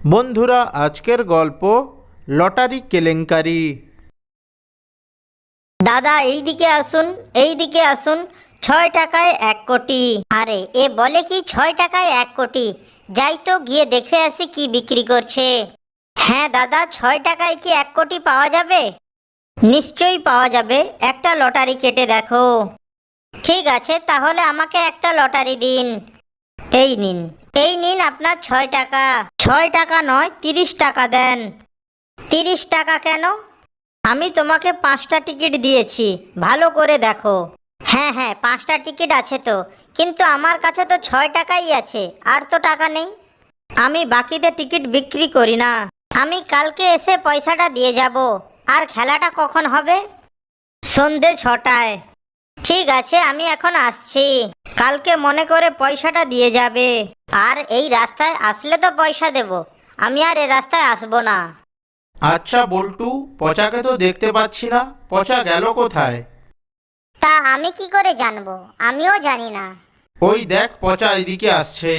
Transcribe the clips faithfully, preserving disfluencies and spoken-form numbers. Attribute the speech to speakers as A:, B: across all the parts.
A: বন্ধুরা, আজকের গল্প লটারি কেলেঙ্কারি।
B: দাদা এইদিকে আসুন, এইদিকে আসুন। ছয় টাকায় এক কোটি। আরে এ বলে কি ছয় টাকায় এক কোটি? যাই তো গিয়ে দেখে আসি কি বিক্রি করছে। হ্যাঁ দাদা, ছয় টাকায় কি এক কোটি পাওয়া যাবে? নিশ্চয়ই পাওয়া যাবে, একটা লটারি কেটে দেখো। ঠিক আছে, তাহলে আমাকে একটা লটারি দিন। এই নিন, এই নিন আপনার ছয় টাকা। ছয় টাকা নয়, তিরিশ টাকা দেন। তিরিশ টাকা কেন? আমি তোমাকে পাঁচটা টিকিট দিয়েছি, ভালো করে দেখো। হ্যাঁ হ্যাঁ, পাঁচটা টিকিট আছে তো, কিন্তু আমার কাছে তো ছয় টাকাই আছে, আর তো টাকা নেই। আমি বাকিতে টিকিট বিক্রি করি না। আমি কালকে এসে পয়সাটা দিয়ে যাব। আর খেলাটা কখন হবে? সন্ধে ছটায়। ঠিক আছে, আমি এখন আসছি। কালকে মনে করে পয়সাটা দিয়ে যাবে। আর এই রাস্তায় আসলে তো পয়সা দেব, আমি আর এ রাস্তায় আসবো না।
A: আচ্ছা বল্টু, পচাকে তো দেখতে পাচ্ছি না, পচা গেল কোথায়?
B: তা আমি কি করে জানবো? আমিও জানি না।
A: ওই দেখ, পচা এদিকে আসছে।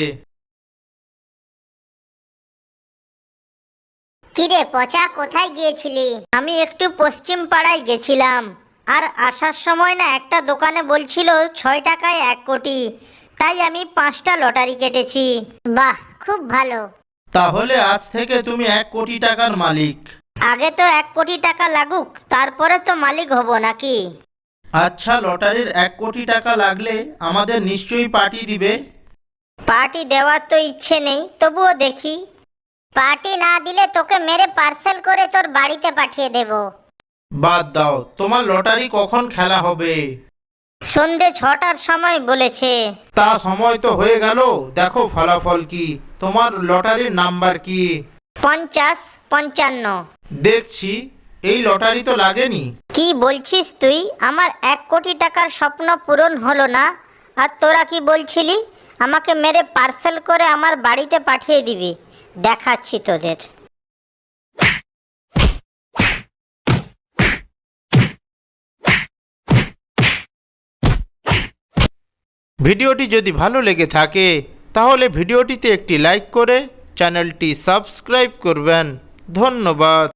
B: কিরে পচা, কোথায় গিয়েছিলি? আমি একটু পশ্চিম পাড়ায় গেছিলাম, আর আসার সময় না একটা দোকানে বলছিল ছয় টাকায় এক কোটি, তাই আমি পাঁচটা লটারি কেটেছি। বাহ, খুব ভালো।
A: তাহলে আজ থেকে তুমি এক কোটি টাকার মালিক।
B: আগে তো এক কোটি টাকা লাগুক, তারপরে তো মালিক হব নাকি?
A: আচ্ছা, লটারির এক কোটি টাকা লাগলে আমাদের নিশ্চয়ই পার্টি দিবে।
B: পার্টি দেওয়ার তো ইচ্ছে নেই, তবুও দেখি। পার্টি না দিলে তোকে মেরে পার্সেল করে তোর বাড়িতে পাঠিয়ে দেব।
A: বাদ দাও, তোমার লটারি কখন খেলা হবে?
B: সন্ধে ছটার সময় বলেছে।
A: তা সময় তো হয়ে গেল, দেখো ফলাফল কি। তোমার লটারির নাম্বার কি?
B: পঞ্চাশ পঞ্চান্ন।
A: দেখছি, এই লটারি তো লাগেনি।
B: কি বলছিস তুই? আমার এক কোটি টাকার স্বপ্ন পূরণ হলো না, আর তোরা কি বলছিলি আমাকে মেরে পার্সেল করে আমার বাড়িতে পাঠিয়ে দিবি? দেখাচ্ছি তোদের।
A: ভিডিওটি যদি ভালো লেগে থাকে তাহলে ভিডিওটিতে একটি লাইক করে চ্যানেলটি সাবস্ক্রাইব করবেন। ধন্যবাদ।